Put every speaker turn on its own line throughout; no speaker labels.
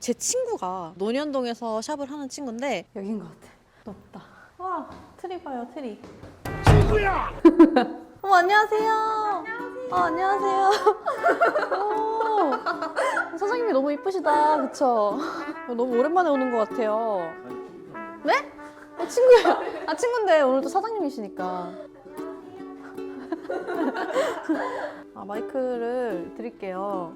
제 친구가 논현동에서 샵을 하는 친구인데 여긴 것 같아. 높다. 와, 트리 봐요, 트리. 친구야! 어머, 안녕하세요. 안녕하세요. 오, 사장님이 너무 이쁘시다. 그쵸? 너무 오랜만에 오는 것 같아요. 네? 친구예요. 친구인데 오늘도 사장님이시니까. 마이크를 드릴게요.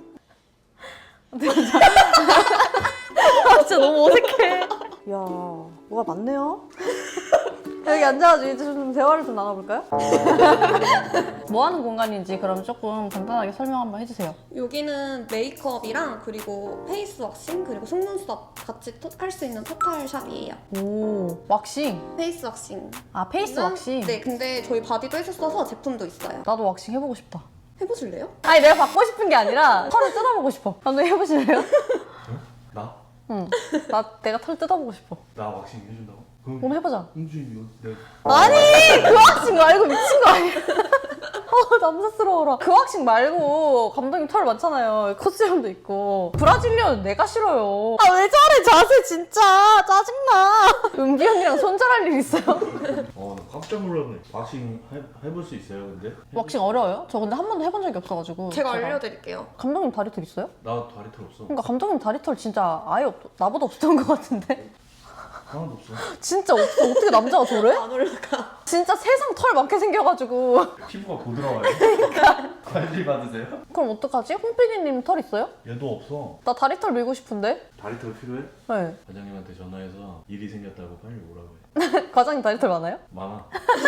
진짜 너무 어색해. 이야, 뭐가 많네요. 여기 앉아가지고 이제 좀 대화를 좀 나눠볼까요? 뭐 하는 공간인지 그럼 조금 간단하게 설명 한번 해주세요.
여기는 메이크업이랑 그리고 페이스 왁싱 그리고 속눈썹 같이 할 수 있는 토탈 샵이에요.
오, 왁싱.
페이스 왁싱.
페이스 왁싱.
네, 근데 저희 바디도 해줬어서 제품도 있어요.
나도 왁싱 해보고 싶다.
해보실래요?
아니, 내가 받고 싶은 게 아니라 털을 뜯어보고 싶어. 감독님 해보실래요?
나?
응. 내가 털 뜯어보고 싶어.
나 왁싱 해준다고?
오늘 해보자.
홍준이 이거 내가
아니, 그 왁싱 말고 미친 거 아니야? 남사스러워라. 그 왁싱 말고 감독님 털 많잖아요. 컷세럼도 있고. 브라질리언 내가 싫어요. 왜 저래 자세 진짜 짜증나. 은비 언니랑 손절할 일 있어요?
나 깜짝 놀랐네. 왁싱 해볼 수 있어요 근데?
왁싱 어려워요? 저 근데 한 번도 해본 적이 없어가지고.
제가 알려드릴게요.
감독님 다리털 있어요?
나 다리털 없어.
그러니까 감독님 다리털 진짜 아예 나보다 없었던 것 같은데?
하나도 없어.
진짜 없어. 어떻게 남자가 저래?
안 올라가.
진짜 세상 털 많게 생겨가지고.
피부가 부드러워요. 그러니까. 관리 받으세요?
그럼 어떡하지? 홍 PD님 털 있어요?
얘도 없어.
나 다리털 밀고 싶은데?
다리털 필요해?
네.
과장님한테 전화해서 일이 생겼다고 빨리 오라고 해.
과장님 다리털 많아요?
많아.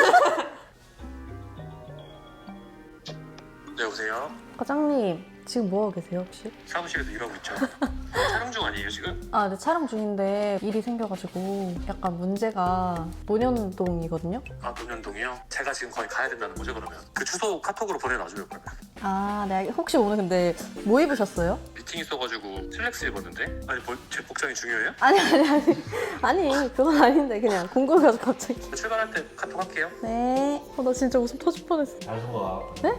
네, 여보세요?
과장님 지금 뭐하고 계세요 혹시?
사무실에서 일하고 있죠. 촬영 중 아니에요 지금?
네, 촬영 중인데 일이 생겨가지고 약간 문제가 논현동이거든요?
논현동이요? 제가 지금 거의 가야 된다는 거죠 그러면? 그 주소 카톡으로 보내놔줘요 그러면.
네. 혹시 오늘 근데 뭐 입으셨어요?
미팅 있어가지고 슬랙스 입었는데? 아니 제 복장이 중요해요?
아니 그건 아닌데 그냥 궁금해서 갑자기.
출발할 때 카톡 할게요.
네. 나 진짜 웃음 터질 뻔했어.
잘 속아.
네?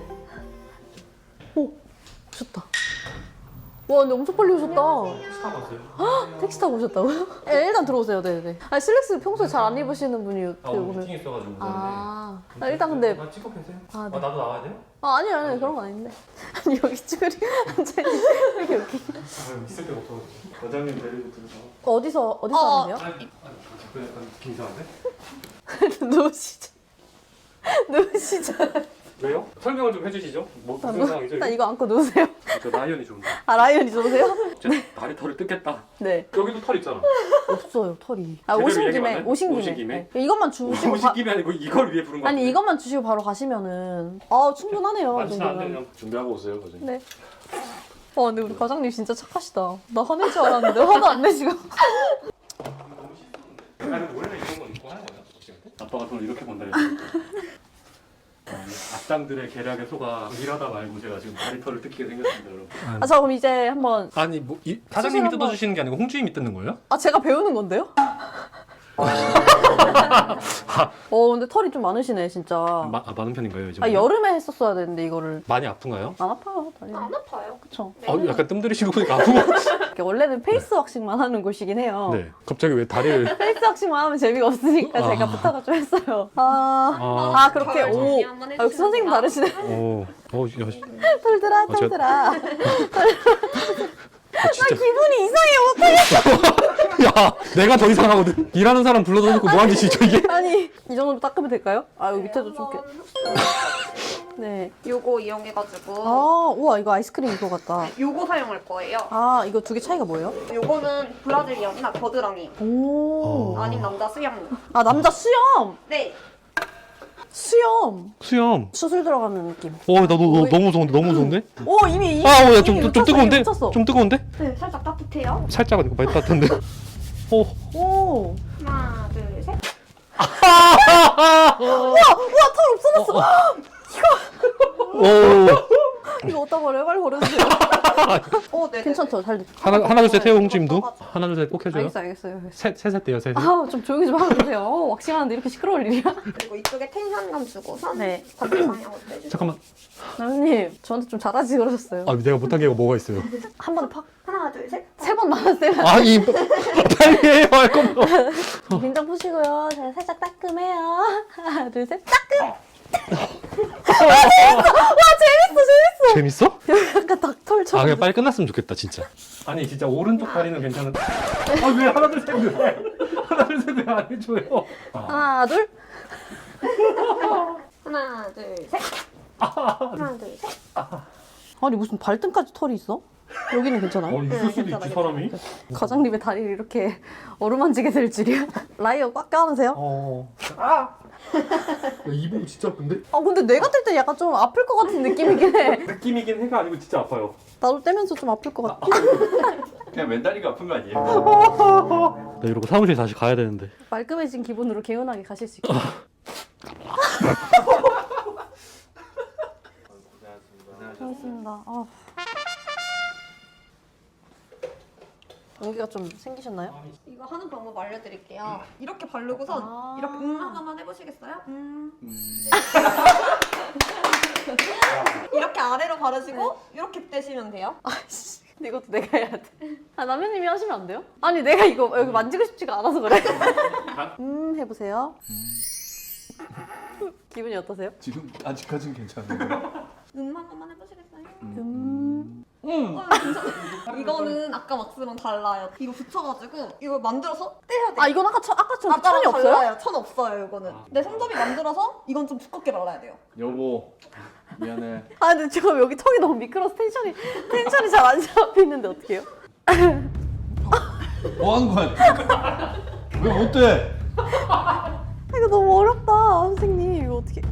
오셨다. 와 근데 엄청 빨리 오셨다.
택시 타고 왔어요?
택시 타고 오셨다고요? 네, 일단 들어오세요. 네네. 슬랙스 평소에 잘 안 입으시는 분이 어떻게 오늘?
미팅 있어가지고
일단 근데
찍고 계세요?
네.
나도 나와야 돼요?
아니 그런 건 아닌데. 아니 여기 쭈그리 앉아있는 이렇게 여기.
있을 때부터 과장님 데리고 들어가.
어디서 하는데요?
약간 느낌 이상한데?
누우시죠.
왜요? 설명을 좀 해주시죠. 무슨 상황이죠?
일단 이거 안고 누우세요.
저 라이언이 좋은데.
라이언이 좋으세요?
다리털을 뜯겠다.
네.
여기도 털 있잖아.
없어요 털이.
제대로
오신
얘기
김에
안 해?
오신
오신
김에.
김에?
네. 이것만 주시고
오십 김이 아니고 이걸 위해 부른 거
아니 이것만 주시고 바로 가시면은 충분하네요. 이
많지는 않은데
정도면.
그냥 준비하고 오세요. 과장님.
네. 근데 우리 과장님 진짜 착하시다. 나 화낼 줄 알았는데 화도 안 내시고.
아니 원래는 이런 건 입고 하는 거야? 아빠가 돈을 이렇게 번다 했는데. 악당들의 계략에 속아 일하다 말고 제가 지금 다리털을 뜯기게 생겼습니다, 여러분.
저 그럼 이제 한번
아니 사장님이
한번-
뜯어주시는 게 아니고 홍주임이 뜯는 거예요?
제가 배우는 건데요? 근데 털이 좀 많으시네 진짜.
많은 편인가요 요즘?
여름에 했었어야 되는데 이거를.
많이 아픈가요?
안 아파요 다리.
안 아파요.
그쵸.
약간 뜸 들이시고 보니까 아픈 거 같아요.
이렇게 원래는 페이스 왁싱만 하는 곳이긴 해요.
네. 갑자기 왜 다리를?
페이스 왁싱만 하면 재미가 없으니까 제가 부탁을 좀 했어요. 그렇게
털 정리 한번
역시 선생님
해주시면
다르시네.
야,
털들아
제가-
털들아.
진짜.
기분이 이상해 어떡해.
야, 내가 더 이상하거든. 일하는 사람 불러다 놓고 뭐하는 짓이죠 이게?
아니 이 정도면 닦으면 될까요? 여기 밑에도 좀 이렇게. 네.
요거 이용해가지고
우와 이거 아이스크림 이거 같다.
요거 사용할 거예요.
이거 두 개 차이가 뭐예요?
요거는 브라질리언이나 겨드랑이
오.
아닌 남자 수염.
남자 수염.
네.
수염.
수염.
수술 들어가는 느낌.
나 너무 무서운데? 너무 무서운데?
이미
좀
묻혔어,
뜨거운데?
이미 묻혔어.
좀 뜨거운데?
네, 살짝 따뜻해요.
살짝 아니고 많이 따뜻한데?
오.
하나, 둘, 셋.
우와 털 없어졌어. 이거 어디다 버려요? 빨리 버려주세요.
네.
괜찮죠? 잘 됐죠?
하나 둘 셋 해요 홍주임도. 하나 둘 셋 꼭 해줘요.
알겠어요.
셋 돼요 셋.
좀 조용히 좀 하고 계세요. 왁싱하는데 이렇게 시끄러울 일이야?
그리고 이쪽에 텐션감 주고서
네.
반대 방향으로 빼주세요.
잠깐만.
나연님 저한테 좀 잘하지 그러셨어요.
내가 못한 게 뭐가 있어요?
한 번 팍.
하나, 하나, 둘, 셋.
3번 남았어요.
아니 빨리 해요 할 거면.
긴장 푸시고요. 제가 살짝 따끔해요. 하나, 둘, 셋. 따끔!
재밌어?
약간 닭털처럼.
아 그냥 빨리 끝났으면 좋겠다 진짜.
아니 진짜 오른쪽 다리는 괜찮은데 아 왜 하나 둘 셋 왜? 하나 둘 셋 왜 안 해줘요?
하나, 둘.
하나, 둘, 셋. 하나, 둘, 셋.
아니, 무슨 발등까지 털이 있어? 여기는 괜찮아요?
있을 수도
괜찮아,
있지 사람이.
과장님의 다리를 이렇게 어루만지게 될 줄이야? 라이어 꽉 껴안으세요?
야, 이봉 진짜 아픈데?
아, 근데 내가 뗄 때 약간 좀 아플 것 같은 느낌이긴 해.
느낌이긴 해가 아니고 진짜 아파요.
나도 떼면서 좀 아플 것 같아.
그냥 맨다리가 아픈 거 아니에요?
나 이러고 사무실 다시 가야 되는데.
말끔해진 기분으로 개운하게 가실 수 있게. 고맙습니다. 아. 연기가 좀 생기셨나요?
이거 하는 방법 알려드릴게요. 이렇게 바르고선
아.
이렇게 하나만 해보시겠어요? 이렇게 아래로 바르시고 이렇게 떼시면 돼요.
아이씨, 근데 이것도 내가 해야 돼. 아, 남현님이 하시면 안 돼요? 아니, 내가 이거 여기 만지고 싶지가 않아서 그래. 해보세요. 기분이 어떠세요?
지금 아직까진 괜찮은데.
눈만 한번 해보시겠어요?
괜찮아요.
이거는 아까 왁스랑 달라요. 이거 붙여가지고 이걸 만들어서 떼야 돼요.
아, 이건 아까처럼
아까랑
천이 없어요?
달라요. 천 없어요, 이거는. 내 손잡이 만들어서 이건 좀 두껍게 발라야 돼요.
여보 미안해.
아, 근데 지금 여기 턱이 너무 미끄러서 텐션이 잘 안 잡히는데 어떡해요?
뭐 하는 거야? 왜 못 돼?
이거 너무 어렵다, 선생님. 이거 어떻게.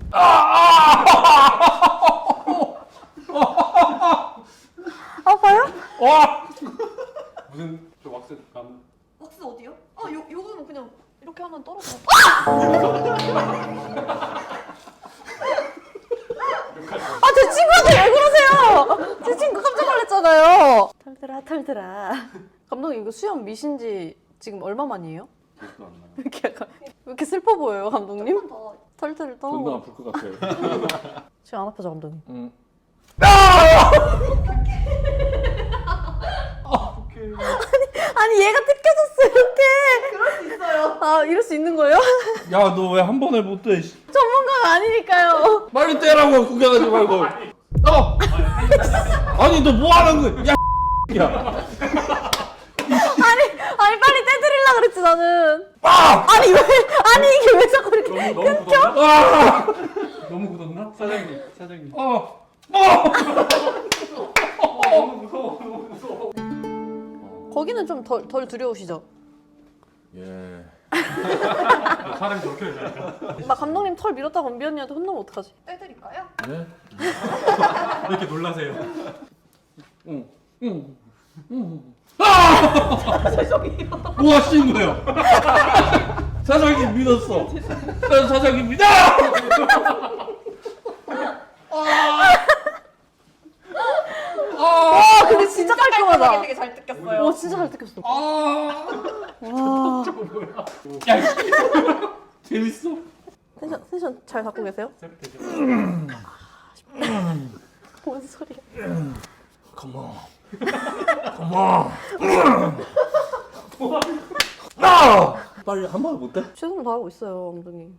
아파요?
무슨 저 왁스 감?
왁스 어디요? 요거는 그냥 이렇게 하면 떨어져.
아, 제 친구한테 왜 그러세요? 제 친구 깜짝 놀랐잖아요. 털들아. 감독님, 이거 수염 미신지 지금 얼마 만이에요?
기억도 안 나요.
왜 이렇게 슬퍼 보여요, 감독님?
한번 더.
털털 떠.
존나 아플 것 같아요.
지금 안 아파죠, 감독님?
응.
아니, 얘가 뜯겨졌어, 이렇게.
그럴 수 있어요.
아, 이럴 수 있는 거예요?
야 너 왜 한 번에 못 떼?
전문가가 아니니까요.
빨리 떼라고 구경하지 말고. 아니 너 뭐 하는 거야? 야.
아니, 빨리 떼드리려고 그랬지, 나는. 아니, 이게 왜 자꾸 이렇게.
너무 굳었나? 너무 굳었나? 사장님. 너무 무서워.
거기는 좀 덜 두려우시죠?
예.
사람이 저렇게 되잖아요.
막 감독님 털 밀었다고 은비 언니한테 혼나면 어떡하지?
떼드릴까요?
예?
왜 이렇게 놀라세요?
뭐 하시는 거예요? 사장님 믿었어. 난 사장입니다.
아, 근데 진짜 깔끔하다.
되게 잘 뜯겼어요.
오, 진짜 잘 뜯겼어. 와.
야, 재밌어?
텐션 잘 잡고 계세요? 뭔 소리야?
컴온. 빨리 한 번에 못 떼?
최선을 다하고 있어요, 감독님.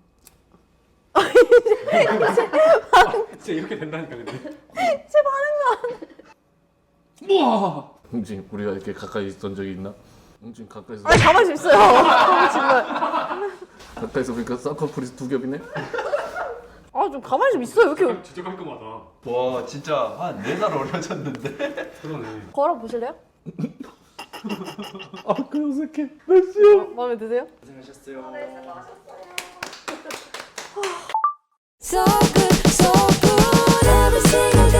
진짜 이렇게 된다니까 근데.
제 반응만.
우와.
홍진 우리가 이렇게 가까이 있던 적이 있나? 홍진 가까이서
아니, 가만히 좀 있어요. 정말.
가까이서 보니까 쌍꺼풀이 두 겹이네.
아, 좀 가만히 좀 있어요. 이렇게.
진짜 깔끔하다.
와 진짜 한 4살 어려졌는데.
그러네.
걸어 보실래요?
아, 그 어색해. merci.
마음에 드세요?
So good, every single day.